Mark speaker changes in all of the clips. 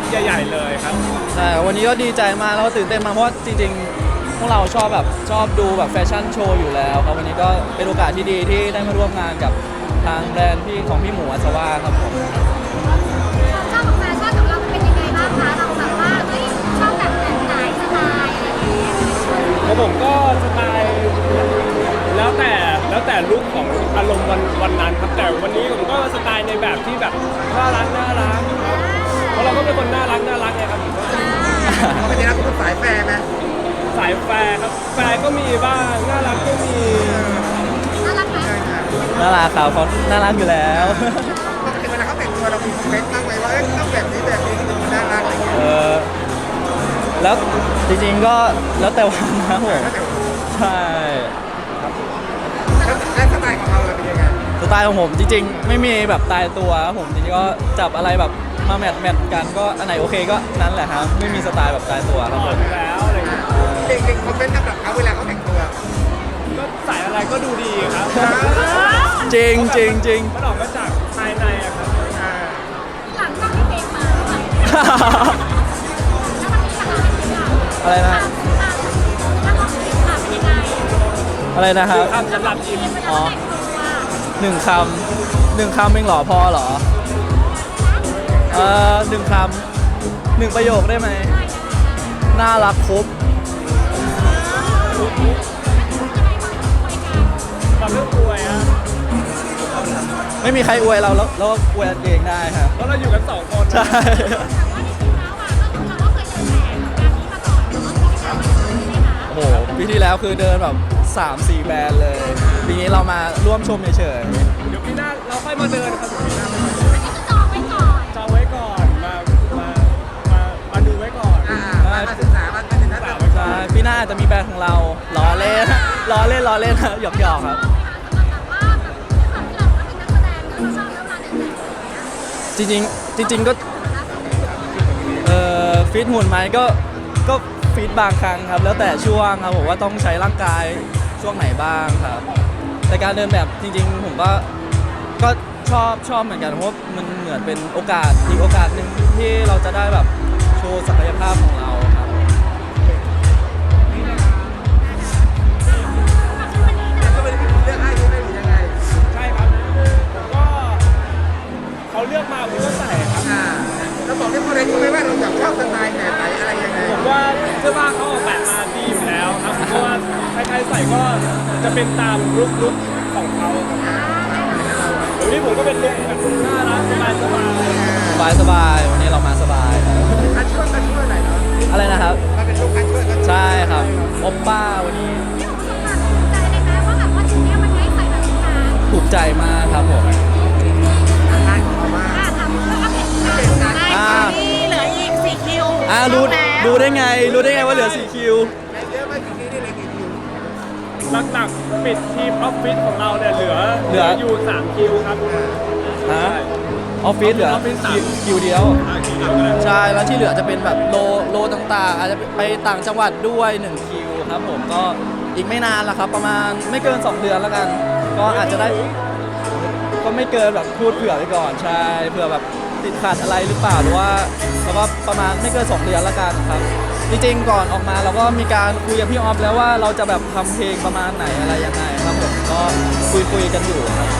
Speaker 1: ใหญ่ๆเลยครับ
Speaker 2: ใช่วันนี้ก็ดีใจมากแล้วก็ตื่นเต้นมากเพราะว่าจริงๆพวกเราชอบดูแบบแฟชั่นโชว์อยู่แล้วครับวันนี้ก็เป็นโอกาสที่ดีที่ได้มาร่วมงานกับทางแบรนด์ของพี่หมูอัศวาครับผม
Speaker 3: ชอบของแฟชั่นของเราเป็นยังไงบ้างคะเราแบบว่าเฮ้ยชอบแบบไหนสไตล์อะไรอย่างเงี้ย
Speaker 1: ของผมก็สไตล์แล้วแต่ลุคของอารมณ์วันนั้นครับแต่วันนี้ผมก็สไตล์ในแบบที่แบบน่ารักเพราะเราก็เป็นคนน่ารักไงครับ
Speaker 4: เป็นยังไงคุณสายแฟร์ไหม
Speaker 1: สายแฟร์ครับแฟร์ก็มีบ้างน่ารักก็มี
Speaker 3: น่ารักไหม
Speaker 2: น่ารักครับเขาน่ารักอยู่แล้ว
Speaker 4: ปกติเวลาเขาแต่งตัวเรามีคอมเมนต์บ้างไหมว่าต้องแบบนี้ถึงน่ารักอะไรอย่างเงี้ย
Speaker 2: แล้วจริงๆก็แล้วแต่วันนะผมใช่
Speaker 4: แล้วสไตล์ของเราเป็นยังไง
Speaker 2: สไตล์ของผมจริงๆไม่มีแบบตายตัวครับผมจริงๆก็จับอะไรแบบมาแมทกันก็อันไหนโอเคก็นั้นแหละครับไม่มีสไตล์แบบตายตัวครับผม
Speaker 1: แล้วอะไรอย่างเงี้ย
Speaker 4: เก่งคอมเมนต์กับเขาเวลาเขาแต่งตัว
Speaker 1: ก็ใส่อะไรก็ดูดีครับ
Speaker 2: จริง
Speaker 1: มันออกมาจากภายในอะครับ
Speaker 3: หลังจากที่เพลงมา
Speaker 2: อะไรนะอะไรนะครับ
Speaker 1: คำสำหรับอิม
Speaker 2: อ๋อหนึ่งคำเองเหรอพอเหรอหนึ่งคำ1ประโยคได้ไหมน่ารักครบ
Speaker 1: ความเรื่องอวยอะ
Speaker 2: ไม่มีใครอวยเราแล้วก็อวยเองได้ครับ
Speaker 1: เพราะเราอยู่กัน2 คน
Speaker 2: ใช่โอ้โหปีที่แล้วคือเดินแบบ 3-4 แบรนด์เลยปีนี้เรามาร่วมชมเฉย
Speaker 1: ๆเดี๋ยวปีหน้าเราค่อยมาเดินครับปีหน้าจองไว้ก่อนมาดูไว้ก่อน
Speaker 4: มาศึกษามาศึกษา
Speaker 2: ใช่ปีหน้าจะมีแบรนด์ของเราล้อเล่นหยอกครับจริงก็ฟิตหุ่นไหมก็ฟิตบางครั้งครับแล้วแต่ช่วงครับผมว่าต้องใช้ร่างกายช่วงไหนบ้างครับแต่การเดินแบบจริงๆผมก็ชอบเหมือนกันเพราะมันเหมือนเป็นโอกาสอีกโอกาสหนึ่งที่เราจะได้แบบโชว์ศักยภาพของเราครับ
Speaker 4: ก็เป็นเลือกให้ด้วยหรือยังไง
Speaker 1: ใช่ครับก็เขาเลือกมาผมก็ใส่ครับ
Speaker 4: เราบอกได้คนใดรู้ไหมว่าเราอยากชอบสไตล์แบบไหนอะไรยังไง
Speaker 1: ผมว่าเสื้อผ้าเขาออกแบบมาดีอยู่แล้วครับเพราะว่าใครๆใส่ก็จะเป็นตามลุคของเขาเดี๋ยวนี้ผมก็เป็นลุคแบบน่ารัก
Speaker 2: สบายวันนี้เรามาสบาย
Speaker 4: กันช่วยหน่อยเนาะ
Speaker 2: อะไรนะครับ
Speaker 4: มันเป็นลุคกันช่วย
Speaker 2: ใช่ครับโอปป้าวันนี้ถูกใจมากครับผม
Speaker 4: งานของเรามาก
Speaker 3: เหลืออีก4 คิว
Speaker 2: รู้ได้ไงว่าเหลือ4 คิว
Speaker 4: เยอะมากจริงๆนี่เลยกี่คิว
Speaker 1: หลักๆปิดทีมออฟฟิศของเราเนี่ยเหลืออยู่3 คิวครับ
Speaker 2: ฮะออฟฟิศเหลือคิวเดียวใช่แล้วที่เหลือจะเป็นแบบโลต่างๆอาจจะไปต่างจังหวัดด้วย1 คิวครับผมก็อีกไม่นานแล้วครับประมาณไม่เกิน2 เดือนแล้วกันก็อาจจะได้ก็ไม่เกินแบบพูดเผื่อไปก่อนใช่เผื่อแบบติดขัดอะไรหรือเปล่าหรือว่าเพราะว่าประมาณไม่เกิน2 เดือนแล้วกันครับจริงๆก่อนออกมาเราก็มีการคุยกับพี่ออฟแล้วว่าเราจะแบบทำเพลงประมาณไหนอะไรยังไงครับผมก็คุยกันอยู่ครับ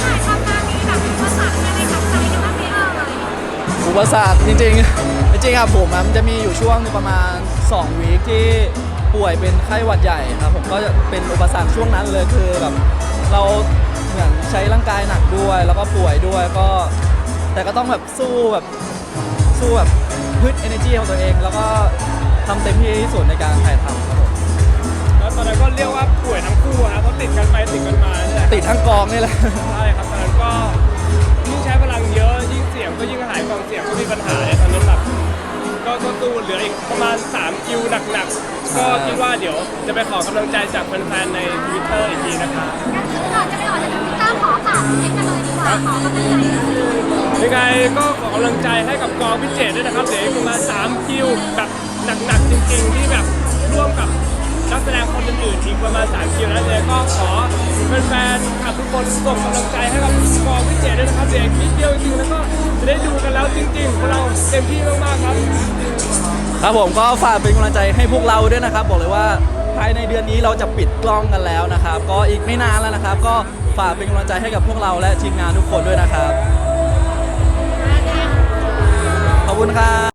Speaker 2: อุปสรรคจริงครับผมมันจะมีอยู่ช่วงประมาณ2 วีคที่ป่วยเป็นไข้หวัดใหญ่ครับผมก็จะเป็นอุปสรรคช่วงนั้นเลยคือแบบเราเหมือนใช้ร่างกายหนักด้วยแล้วก็ป่วยด้วยก็แต่ก็ต้องแบบสู้แบบพึ่ง energy ของตัวเองแล้วก็ทำเต็มที่ที่สุดในการถ่ายทำครับผม
Speaker 1: แล้วตอนนั้นก็เรียกว่าป่วยทั้งคู่นะเพราะติดกันไปติดกันมาเนี่ย
Speaker 2: ติดทั้งกองนี่แหละ
Speaker 1: ใช่ครับตอนนั้นก็ยิ่งใช้พลังเยอะยิ่งเสียงก็ยิ่งหายกองเสียงก็มีปัญหาตอนนั้นแบบก็ตู้เหลืออีกประมาณ3 คิวหนักๆก็คิดว่าเดี๋ยวจะไปขอกำลังใจจากแฟนๆใน Twitter อีกทีนะคะ
Speaker 3: ก่อนจะไปออกจาก Twitter ขอฝากเพลงกันเลยดีกว่าขอกำลังใจ
Speaker 1: ยังไงก็ขอกำลังใจให้กับกองพิเศษด้วยนะครับเดี๋ยวประมาณ3 คิวแบบหนักๆจริงๆที่แบบร่วมกับนักแสดงคนอื่นๆอีกประมาณ3 คิวแล้วเลยก็ขอแฟนๆทุกคนส่งกำลังใจให้กับกองพิเศษด้วยนะครับเดี๋ยวนิดเดียวจริงๆแล้วก็จะได้ดูกันแล้วจริงๆพวกเราเต็มที่มากๆครับ
Speaker 2: ครับผมก็ฝากเป็นกำลังใจให้พวกเราด้วยนะครับ บอกเลยว่าภายในเดือนนี้เราจะปิดกล้องกันแล้วนะครับ ก็อีกไม่นานแล้วนะครับ ก็ฝากเป็นกำลังใจให้กับพวกเราและทีมงานทุกคนด้วยนะครับ ขอบคุณครับ